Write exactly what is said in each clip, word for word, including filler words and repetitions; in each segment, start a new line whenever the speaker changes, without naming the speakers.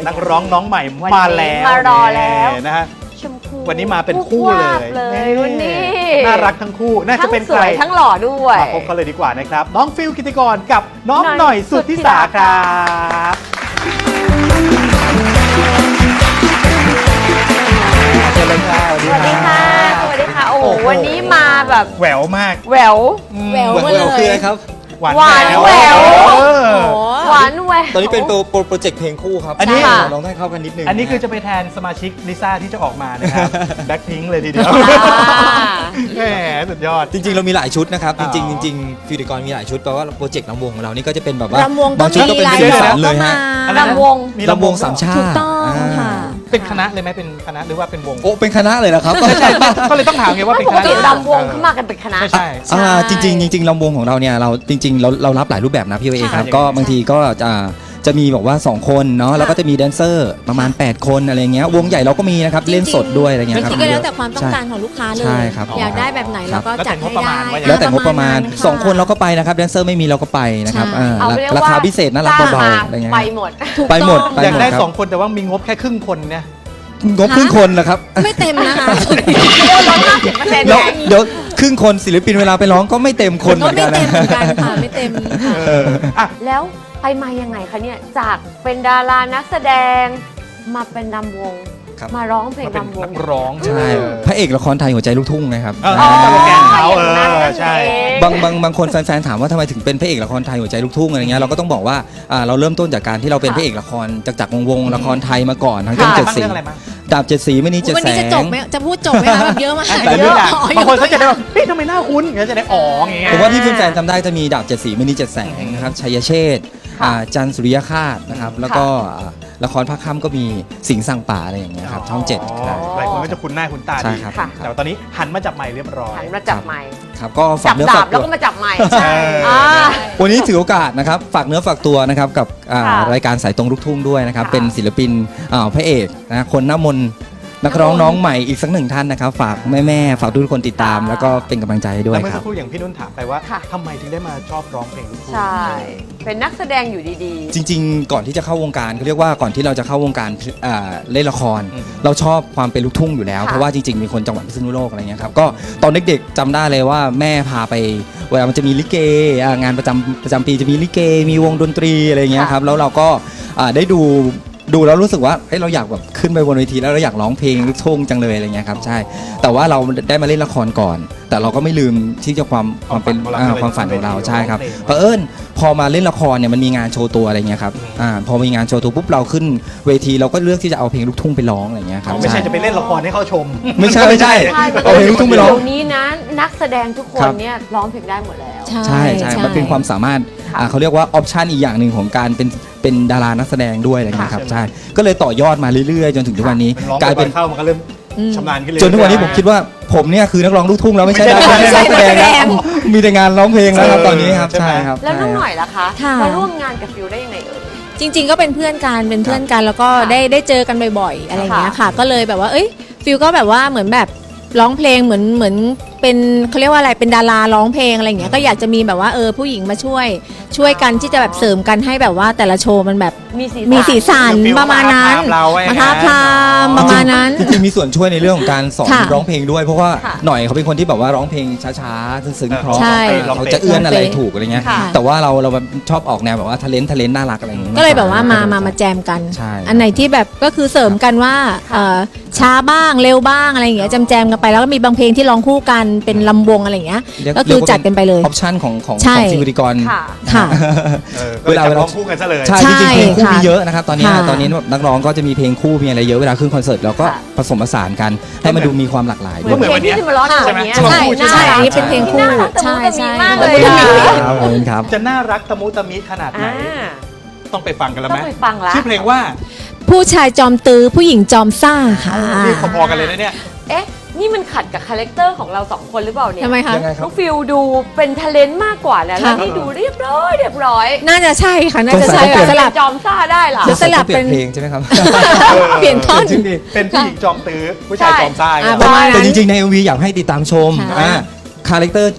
นักร้องน้องใหม่มาแล้ว
มารอแล้ว
นะฮะ
ชมพู
วันนี้มาเป็นคู่เลย
เลยวันนี้
น่ารักทั้งคู่น่าจะเป็น
ทั้งสวยทั้งหล่อด้วย
มาพบกันเลยดีกว่านะครับน้องฟิลกิติกรกับน้องหน่อยสุทธิสาครับสวัสดีค่ะ
สวัสดีค่ะสวัสดีค่ะโอ้วันนี้มาแบบ
แหววมาก
แหวว
แหววมาเลยคืออะไรครับ
หวานแหวว
หวานแหวว
ตอนนี้เป็นโปรเจกต์เพลงคู่ครับ
อันนี้
ลองให้เข้ากันนิดนึง
อันนี้คือจะไปแทนสมาชิกลิซ่าที่จะออกมานะครับแบ็คพิงค์เลยทีเดียวแหมสุดยอด
จริงๆเรามีหลายชุดนะครับจริงๆจริงๆฟิวดิกรมีหลายชุดแปลว่าโปรเจกต์ลำวงของเรานี่ก็จะเป็นแบบว่าร
ำวง
บางชุดก็เป็นสีสันเลยฮะ
ลำวง
มีลำวงสามชาติ
ถูกต้องค่ะ
เป็นคณะเลยไหมเป็นคณะหรือว่าเป็นวง
โอ้เป็นคณะเลยนะครับ
ใช่ก็เลยต้องถามไงว่าเป็นคณะ
ลำวงเขามากันเป็นคณะ
ใช่
ใช่จริงๆจริงๆลำวงของเราเนี่ยเราจริงๆเราเรารับหลายรูปแบบนะพี่เอครับก็บางทีก็จะจะมีบอกว่าสองคนเนาะแล้วก็จะมีแดนเซอร์ประมาณแปดคนอะไรเงี้ยวงใหญ่เราก็มีนะครับเล่นสดด้วยอะไรเงี้ยครับ
จริงๆก็แล้วแต่ความต้องการของลูกค้าเลยอยากได้แบบไหนเราก็จัดให้ได้
แล้วแต่งบประมาณสองคนเราก็ไปนะครับแดนเซอร์ไม่มีเราก็ไปนะครับราคาพิเศษน่ารักเบาๆอะไรเงี้ย
ไปหมด
ไปหมด
อยากได้สองคนแต่ว่ามีงบแค่ครึ่งคนเนี่ย
งบครึ่งคนนะครับ
ไม่เต็มนะคะ
เดี๋ยวเดี๋ยวครึ่งคนศิลปินเวลาไปร้องก็ไม่เต็มคนเหมือนกัน
นะไม่เต็มเหมือนกันค่ะไม่เต็ม
แล้วไปมายังไงคะเนี่ยจากเป็นดารานักแสดงมาเป็นนำวงมาร้องเพลงนำวง
ร้อง
ใช่พระเอกละครไทยหัวใจลูกทุ่งนะครับ
ตลกแกนเขาเออใช่
บางบางบางคนแฟนๆถามว่าทำไมถึงเป็นพระเอกละครไทยหัวใจลูกทุ่งอะไรเงี้ยเราก็ต้องบอกว่าเราเริ่มต้นจากการที่เราเป็นพระเอกละครจากจากวงวงละครไทยมาก่อนทั้งเจ็ดสีดาบเจ็ดสีไม่นี้เจ็ดแสง
วันนี้จะจบไหมจะพูดจบไหมคะแบบเยอะมาก
แต่เยอะบางคนเขาจะได้แบบเฮ้ยทำไมหน้าคุ้นเขาจะได้อ๋ออย่างเงี้ย
ผมว่าที่แฟนๆจำได้จะมีดาบเจ็ดสีไม่นี้เจ็ดแสงนะครับชัยเชษฐ์จันทร์สุริยคาตนะครับแล้วก็ละครภาคค่ำก็มีสิงห์สั่งป่าอะไรอย่างเงี้ยครับช่องเจ็ด
หลายคนก็จะคุ้นหน้าคุ้นตาดีแต่ตอนนี้หันมาจับไมค์เรียบร้อย
หันมาจับไมค์
ครับก็ฝากเนื้อฝากตัว
แล้วก็มาจับไมค์
วันนี้ถือโอกาสนะครับฝากเนื้อฝากตัวนะครับกับรายการสายตรงลูกทุ่งด้วยนะครับเป็นศิลปินพระเอกนะคนน้ำมนต์นักร้องน้องใหม่อีกสักหนึ่งท่านนะครับฝากแม่ๆฝากทุกคนติดตามแล้วก็เป็นกำลังใจให้ด้วยครับ
เมื่อสักครู่อย่างพี่นุ่นถามไปว่าทำไมถึงได้มาชอบร้องเพลงลูกทุ่ง
ใช่เป็นนักแสดงอยู่ดี
ๆจริงๆก่อนที่จะเข้าวงการเขาเรียกว่าก่อนที่เราจะเข้าวงการเล่นละครเราชอบความเป็นลูกทุ่งอยู่แล้วเพราะว่าจริงๆมีคนจังหวัดพิษณุโลกอะไรเงี้ยครับก็ตอนเด็กๆจำได้เลยว่าแม่พาไปเวลามันจะมีลิเกงานประจำประจำปีจะมีลิเกมีวงดนตรีอะไรเงี้ยครับแล้วเราก็ได้ดูดูแล้วรู้สึกว่าเฮ้ยเราอยากแบบขึ้นไปบนเวทีแล้วเราอยากร้องเพลงลูกทุ่งจังเลยอะไรเงี้ยครับใช่แต่ว่าเราได้มาเล่นละครก่อนแต่เราก็ไม่ลืมที่จะความความเป็นความฝันของเราใช่ครับเพราะเอิญพอมาเล่นละครเนี่ยมันมีงานโชว์ตัวอะไรเงี้ยครับอ่าพอมีงานโชว์ตัวปุ๊บเราขึ้นเวทีเราก็เลือกที่จะเอาเพลงลูกทุ่งไปร้องอะไรเงี้ยครับ
ไม่ใช่จะไปเล่นละครให้เขาชม
ไม่ใช่ไม่ใช่เอาเพลงลูกทุ่งไปร้อง
เดี๋ยวนี้นะนักแสดงทุกคนเนี่ยร้องเพลงได้หมดแล้ว
ใช่ใช่มันเป็นความสามารถเขาเรียกว่าออปชันอีกอย่างหนึ่งของการเป็นเป็นดารานักแสดงด้วยอะไรเงี้ยครับใช่ก็เลยต่อยอดมาเรื่อยๆจนถึงทุกวันนี้
กลายเป็นเข้ามันก็เริ่มชำนาญขึ้นเลย
จนทุกวันนี้ผมคิดว่าผมเนี่ยคือนักร้องลูกทุ่งแล้วไม่ใช่นักแสดงแล้วมีแต่งานร้องเพลงแล้วครับตอนนี้ครับใช่ครับ
แล้วน้องหน่อยล่ะคะมาร่วมงานกับฟิวได้ยังไงเอ่ย
จริงๆก็เป็นเพื่อนกันเป็นเพื่อนกันแล้วก็ได้ได้เจอกันบ่อยๆอะไรอย่างเงี้ยค่ะก็เลยแบบว่าเอ้ยฟิวก็แบบว่าเหมือนแบบร้องเพลงเหมือนเหมือนเป็นเขาเรียกว่าอะไรเป็นดาราร้องเพลงอะไรอย่างเงี้ยก็อยากจะมีแบบว่าเออผู้หญิงมาช่วยช่วยกันที่จะแบบเสริมกันให้แบบว่าแต่ละโชว์มันแบบมีสีสันประมาณนั้นมาท้าทามประมาณนั้น
จริงๆมีส่วนช่วยในเรื่องของการสอนร้องเพลงด้วยเพราะว่าหน่อยเขาเป็นคนที่แบบว่าร้องเพลงช้าๆซึ้งๆเพราะเขาจะเอื้อนอะไรถูกอะไรเงี้ยแต่ว่าเราเราชอบออกแนวแบบว่าทะเลนทะเลนน่ารักอะไรอย่างเงี้ย
ก็เลยแบบว่ามามามาแจมกันอันไหนที่แบบก็คือเสริมกันว่าช้าบ้างเร็วบ้างอะไรอย่างเงี้ยแจมๆกันไปแล้วก็มีบางเพลงที่ร้องคู่กันเป็นลำวงอะไรอย่างเงี้ยก็คือจัดกันไปเลย
ออปชั่นของของซิวดิกร
ค่ะ
เวลาร้องคู่กันซะเลย
ใช่จริงๆเพลงคู่มีเยอะนะครับตอนนี้ตอนนี้นักร้องก็จะมีเพลงคู่มีอะไรเยอะเวลาขึ้นคอนเสิร์ตเราก็ผสมผสานกันให้มันดูมีความหลากหลาย
ด้วยเหมือนเพลงที่มาร้องใช่ไหม
ใช่ใช่อันนี้เป็นเพลงคู่ใช่ใช่
มากเลย
ครับ
จะน่ารักตะมุตะมิขนาดไหนต้องไปฟังกันแล้วไหม
ต้องไปฟังแล้ว
ชื่อเพลงว่า
ผู้ชายจอมตื้อผู้หญิงจอมซ่าค่ะ
นี่พอๆกันเลยนะเนี่ย
เอ๊ะนี่มันขัดกับคาแรคเตอร์ของเราสองคนหรือเปล่าเนี่ย
ทำไมคะ
น้องฟิลดูเป็นทะเลนต์มากกว่าแล้วแล้วนี่ดูเรียบร้อยเรียบร้อย
น่าจะใช่ค่ะน่าจะใช่
สลับจอมซ่าได้หรอ
สลับเป็น
เพลงใช่ไหมครับ
เปลี่ยนท่อน
เป็นผู้หญิงจอมตื้อผู้ชายจอมซ่า
แต่จริงๆใน เอ็ม วี อยากให้ติดตามชมคาแรคเตอร์ช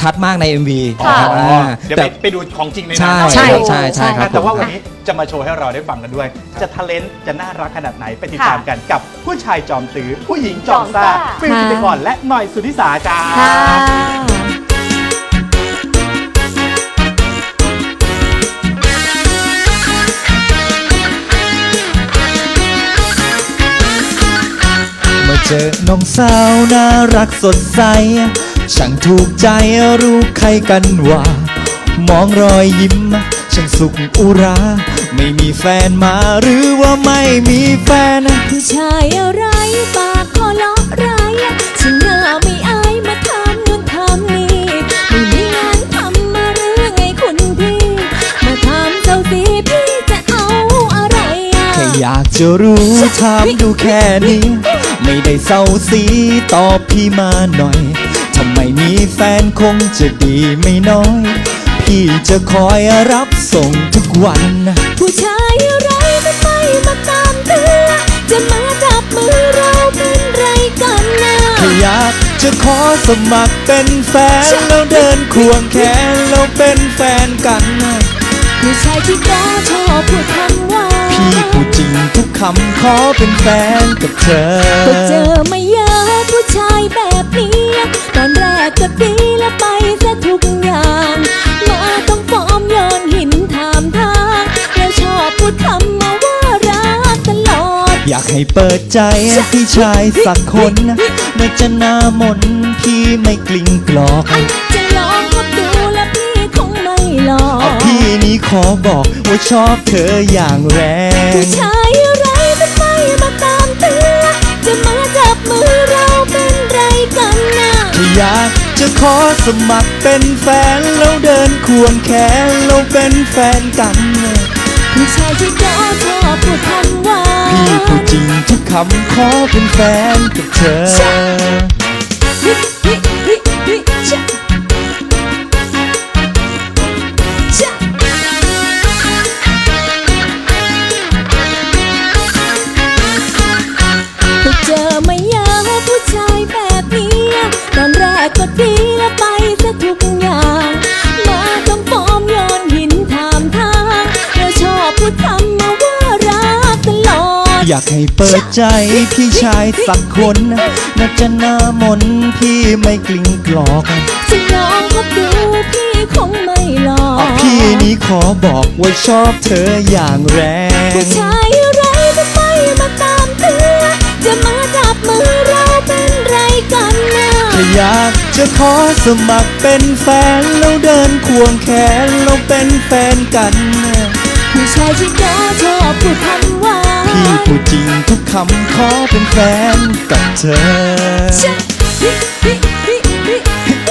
ชัดมากใน เอ็ม วี
ค่ะ
นะครับ
อ๋อ
อ่า
เดี๋ยว
แต่
ไปไปดูของจริงใน
ใช่
นั้น
ใช่
เนาะ
ใช่ใช่ครับ
แต่ว่า
ผม
วันนี้จะมาโชว์ให้เราได้ฟังกันด้วย จะทะเลนจะน่ารักขนาดไหนไปติดตามกันกับผู้ชายจอมตื้อผู้หญิงจอมซ่า
จอมซ่า
ฟิลกิตกรและหน่อยสุทธิสาจ้า
ค่ะ
เมื่อเจอน้องสาวน่ารักสดใส ช่างถูกใจรู้ใครกันว่า มองรอยยิ้ม ช่างสุขอุรา ไม่มีแฟนมาหรือว่าไม่มีแฟน
ผู้ชายอะไรปากคอเลาะไรฉันหน้าไม่อายมาทำนู่นทำนี่ไม่มีงานทำมาหรือไงคุณพี่ มาถามเจ้าสิพี่จะเอาอะไรอ่ะ
แค่อยากจะรู้ถามดูแค่นี้ ไม่ได้เศร้าสีตอบพี่มาหน่อย ทำไมมีแฟนคงจะดีไม่น้อย พี่จะคอยรับส่งทุกวัน
ผู้ชายอะไรทำไมมาตามเธอจะมาจับมือเราเป็นไรกันนะ
แค่อยากจะขอสมัครเป็นแฟน แล้วเดินควงแขนแล้วเป็นแฟนกัน
ผู้ชายที่ก็ชอบพูดคำว่า
พี่พูดจริงทุกคำขอเป็นแฟนกับเธอ
ก็เจอไม่เยอะผู้ชายแบบนี้ ตอนแรกก็ดีแล้วไปซะทุกอย่าง มาต้องฟอร์มโยนหินถามทางแล้วชอบพูดคำมาว่ารักตลอด
อยากให้เปิดใจพี่ชายสักคนน่าจะหน้ามนต์พี่ไม่กลิ้งกลอก
จะลองคบดูแล้วพี่คงไม่หลอก
พี่นี้ขอบอกว่าชอบเธออย่างแร
ผู้
ง
ชายอะไรทำไมมาตามเธอจะมาจับมือเราเป็นไรกันนะ
แค่อยากจะขอสมัครเป็นแฟนแล้วเดินควงแขนแล้วเป็นแฟนกัน
ผู้ชายที่ก็ชอบพูดคำว่า
พี่พูดจริงทุกคำขอเป็นแฟนกับเธอ
ฮิฮิฮิฮิชะชะก็เจอไม่เยอะผู้ชายแบบนี้ ตอนแรกก็ดีแล้วไปซะทุกอย่าง มาต้องฟอร์มโยนหินถามทางแล้วชอบพูดคำมาว่ารักตลอด
อยากให้เปิดใจพี่ชายสักคนน่าจะหน้ามนต์พี่ไม่กลิ้งกลอก
จะลองคบดูพี่คงไม่หลอก
พี่นี้ขอบอกว่าชอบเธออย่างแร
ผู้
ง
ชายอะไรทำไมมาตามเธอจะมาจับมือเราเป็นไรกันนะ
แค่อยากจะขอสมัครเป็นแฟนแล้วเดินควงแขนแล้วเป็นแฟนกัน
ผู้ชายที่ก็ชอบพูดคำว่า
พี่พูดจริงทุกคำขอเป็นแฟนกับเธอ
ชะฮิฮิฮิฮิ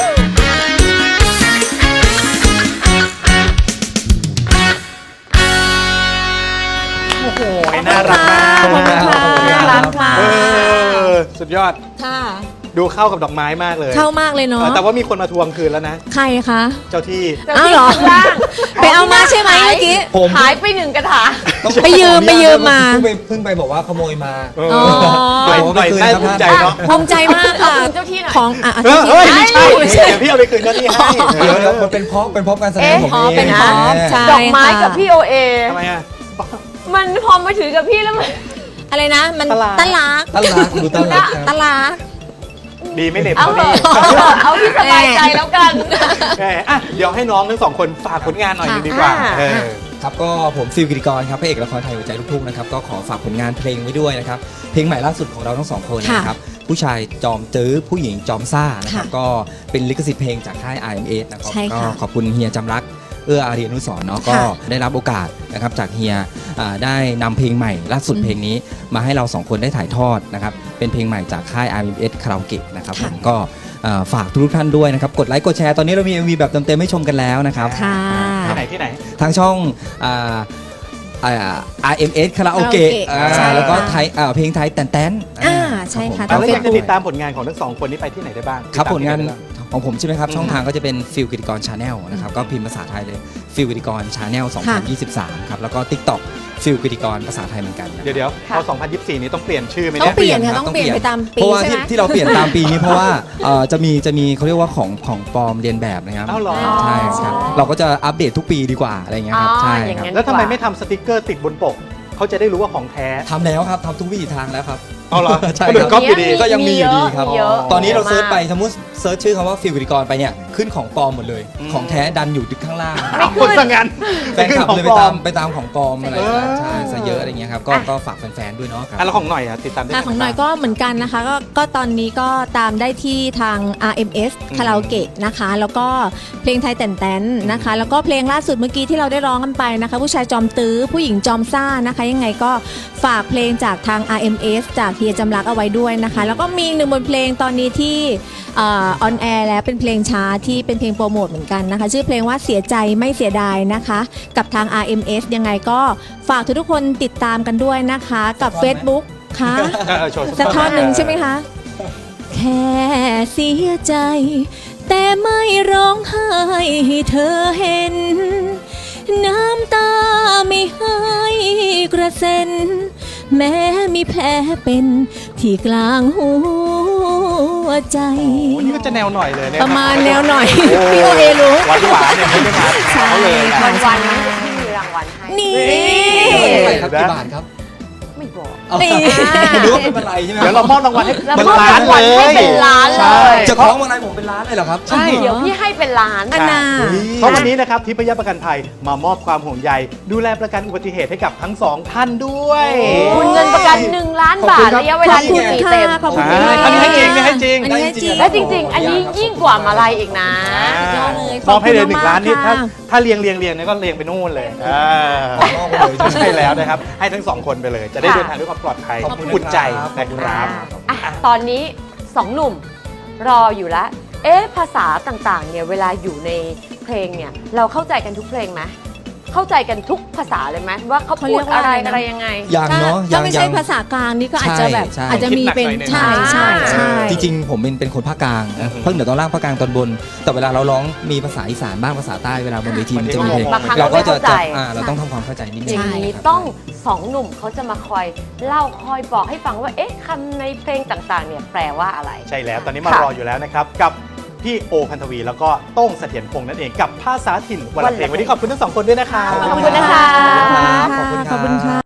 โอ้โหน่ารักมาก
ขอบคุณค่ะน่ารักมาก
เออสุดยอด
ค่ะ
ดูเข้ากับดอกไม้มากเลย
เข้ามากเลยเนาะ
เออแต่ว่ามีคนมาทวงคืนแล้วนะ
ใครคะ
เจ้าที่
อ้าวเหรอ
ข้างล่าง
ไปเอามาใช่ไหมเมื่อกี้
ผม
หายไปหนึ่งกระถาง
ไปยืมไปยืมมา
เพิ่งไปเพิ่งไปบอกว่าขโมยมา
เออ
อ๋อ
หน่อยหน่อยน่าภูมิใจเนาะ
ภูมิใจมากค่ะ
ขอบคุณเจ้าที่หน่อย
ของอ่ะ
เออเฮ้ยไม่ใช่
ไม่ใช่
เดี๋ยวพี่เอาไปคืนเจ้าที่ให้
เดี๋ยวเดี๋ยวมันเป็นเพราะเป็นเพราะการแสดงผม
อ๋อ
เอง
เป็นเพราะ
แหม
ใช่
ดอกไม้กับพี่โอเอ
ทำไมอ่ะ
มันพอมาถือกับพี่แล้วมัน
อะไรนะ มัน
ตลาด
ตลาด
ตลาดดูตลาดครับ
ตลาด
ดีไม่เหน็บ
เอา
เท่า
เถ
นี้
อะเอาที่สบายใจแล้วกัน
แหมอ่ะเดี๋ยวให้น้องทั้งสองคนฝากผลงานหน่อยหนึงดีกว่า
อ่า
เออ
ครับก็ผมฟิลกิติกรครับพระเอกละครไทยหัวใจลูกทุ่งนะครับก็ขอฝากผลงานเพลงไว้ด้วยนะครับเพลงใหม่ล่าสุดของเราทั้งสองคนนะครับผู้ชายจอมตื้อผู้หญิงจอมซ่านะครับก็เป็นลิขสิทธิ์เพลงจากค่าย อาร์ เอ็ม เอส นะครับ
ใช่
ก็
ค่ะ
ขอบคุณเฮียจำรักเอื้ออารีอนุสรณ์เนาะก็
ค่ะ
ได้รับโอกาสนะครับจากเฮียอ่าได้นำเพลงใหม่ล่าสุด
อืม
เพลงนี้มาให้เราสองคนได้ถ่ายทอดนะครับเป็นเพลงใหม่จากค่าย อาร์ เอ็ม เอส คาราโอเกะนะครับผมก็อ่าฝากทุกท่านด้วยนะครับกดไลค์กดแชร์ตอนนี้เรามี เอ็ม วี แบบเต็มๆให้ชมกันแล้วนะครับ
ค่ะ
ที่ไหนที่ไหน
ทางช่องอ่าอ่า อาร์ เอ็ม เอส คาราโอเกะ
คาราโอเกะใช่
แล้วก็
ค่ะ
ไทยอ่าเพลงไทยแตนแตน
อ่าใช่ค่ะ
รับผม
แล้วอยากจะ
Facebook
ติดตามผลงานของทั้งสองคนนี้ไปที่ไหนได้บ้าง
ครับผลงาน
ติดตมที่ไหได้บ้
ของผมใช่ไหมครับ ช่องทางก็จะเป็นฟิลกิติกรชาแนลนะครับก็พิมพ์ภาษาไทยเลยฟิลกิติกรชาแนลสองพันยี่สิบสามครับแล้วก็ TikTok ฟิลกิติกรภาษาไทยเหมือนกันนะครับ
เดี๋ยวเดี๋ยว
ค่ะ
พอสองพันยี่สิบสี่นี้ต้องเปลี่ยนชื่อไหม
ต้อ
เนี่
ง
ย
เปลี่ยนค่ะ
รับ
ต้องเปลี่ยนไปตามปี
เพราะว่า
ใช่
ที่
ไหม
ที่เราเปลี่ยนตามปีนี้เพราะว่าเอ่อจะมีจะมีเขาเรียกว่าของของปลอมเรียนแบบนะครับ
อ้าวเหรอ
ใช่ครับเราก็จะอัปเดตทุกปีดีกว่าอะไรเงี้ยครับ
อ๋อ
ใช่
อย่าง
ครับ
นั้น
แล้วทำไมไม่ทำสติกเกอร์ติดบนปกเขาจะได้รู้ว่าของแท้
ทำแล้วครับทำทุกวิถีทางแล้วครับ
เอาเหรอ
ใช่
คนอื่
ครั
น
บ
ก๊อปอยู่ดี
ก็ยังมีอยู่ดีครับ
มีเยอะ
ตอนนี้เราเซิร์ชไป
มาก
สมมติเซิร์ชชื่อคำว่าฟิลกิติกรไปเนี่ยขึ้นของปลอมหมดเลย
อืม
ของแท้ดันอยู่ข้างล่าง
เอาคนสังงาน
แฟนคลับเลยไป
ของปล
ตา
อ
มไปตามของปลอมอะไร
เออ
ใช่ซะเยอะอะไรเงี้ยครับก็
อ่ะ
ก็ฝากแฟนๆด้วยเนาะครับ
อ่ะแล้วของหน่อยอ่ะติดตามได้
ค่ะ
ทา
ของหน่อย
บ้า
ก็เหมือนกันนะคะก็ก็ตอนนี้ก็ตามได้ที่ทาง อาร์ เอ็ม เอส
อืม
คาราโอเกะนะคะ แล้วก็เพลงไทยแต่นแตนนะคะ แล้วก็เพลงล่าสุดเมื่อกี้ที่เราได้ร้องกันไปนะคะ ผู้ชายจอมตื้อผู้หญิงจอมซ่านะคะ ยังไงก็ฝากเพลงจากทาง อาร์ เอ็ม เอส จากเฮียจำรักเอาไว้ด้วยนะคะ แล้วก็มีอีกหนึ่งบทเพลงตอนนี้ที่ออนแอร์แล้วเป็นเพลงช้าที่เป็นเพลงโปรโมทเหมือนกันนะคะ ชื่อเพลงว่าเสียใจไม่เสียดายนะคะ กับทาง อาร์ เอ็ม เอส ยังไงก็ฝากทุกๆคนติดตามกันด้วยนะคะกับ Facebook ค่ะ
เออโชว์
สักท่อนหนึ่งใช่ไหมคะ แค่เสียใจ แต่ไม่ร้องไห้ให้เธอเห็น น้ำตาไม่ให้กระเซ็น แม้มีแผลเป็นที่กลางหัวใจ
โอ้นี่ก็จะแนวหน่อยเลยเนี่ย
ประมาณแนวหน่อย
โอ้
พี่โอเอรู้
หวานหวานๆเนี่ยไม่ได้มา
ใช่
เขาเลยนะ
ค่ะ
วันวันๆนี้ที่มีรางวัลให้
นี่
เท่าไหร่ครับกี่บาทครับ
ไม่บอก
เอา
นี่
หรือว่าเป็นอะไรใช่ไหม
เดี๋ยวเรามอบรางวัลให้
เรา
เป็น
มอบ
ล้าน
รางวัล
เล
ให้
ย
เป็นล้านเลย
ใช่
จะคล้องมาลัยผมเป็นล้านเลยเหรอครับ
ใช่
เดี๋ยวพี่ให้เป็นล้าน
อันน่ะ
เพราะวันนี้นะครับทิพยประกันภัยมามอบความห่วงใยดูแลประกันอุบัติเหตุให้กับทั้งสองท่านด้วย
คุณเงินประกันหนึ่งล้านบาทระยะเวลาที่ปีเต็ม
ขอบคุณ
อ่า
ค่ะ
อันนี้ให้จริงนี่ให้จริง
อันนี้ให้จริง
และจริง ๆ อันนี้ยิ่งกว่ามาลัยอีกนะ
ยอดเลย
มอบให้เลยหนึ่งล้านนี่
ขอบคุณ
ถ้าม
าก
ถ้าเรียงเรียงเรียงเนี่ยก็เรียงไปนู่นเลยอ่าม
อบไปเลยใช่ไหม
ใช่แล้วนะครับ ให้ทั้งสองคนไปเลย จะได้
ค่ะ
เดินทางด้วยความปลอดภัย
ขอบคุณ
อุ่นใจ
ครับ
นะครับ
อ่ะตอนนี้สองหนุ่มรออยู่แล้ว เอ๊ะภาษาต่างๆเนี่ยเวลาอยู่ในเพลงเนี่ยเราเข้าใจกันทุกเพลงไหมเข้าใจกันทุกภาษาเลยไหมว่าเขา
เขา
พู
เรี
ด
ยกว่า
อะไร
อะไรนะ
อะไรยังไง
ยังเนาะ
ถ้า
ยัง
ไม่ใช่
ยัง
ภาษากลางนี่ก็อาจจะแบบ
ใช่ใช่
อาจจะมีเป็น
คิดหนักหน่อย
ใช่ใช่ใช่
จริงๆ ผมเป็นเป็นคนภาคกลาง
อืม
ภาคเหนือตอนล่างภาคกลางตอนบน แต่เวลาเราร้องมีภาษาอีสานบ้างภาษาใต้เวลาบนเวทีมันจะมีเพลง
บางครั้ง
เราก็จะ
เราไม่เข้าใจ
จะอ่าเราต้องทำความเข้าใจนิดนึ
อง ย่างนี้
ครับ
ต้องสองหนุ่มเขาจะมาคอยเล่าคอยบอกให้ฟังว่าเอ๊ะคำในเพลงต่างๆเนี่ยแปลว่าอะไร
ใช่แล้ว ตอนนี้มา
ค่ะ
รออยู่แล้วนะครับ กับพี่โอพันธวี แล้วก็โต้งเสถียรพงษ์นั่นเองกับภาษาถิ่นวันละเพลงวันนี้ขอบคุณทั้งสองคนด้วยนะครับ
ขอบคุณนะคะ
ขอบคุณครับ
ขอบคุณค่ะ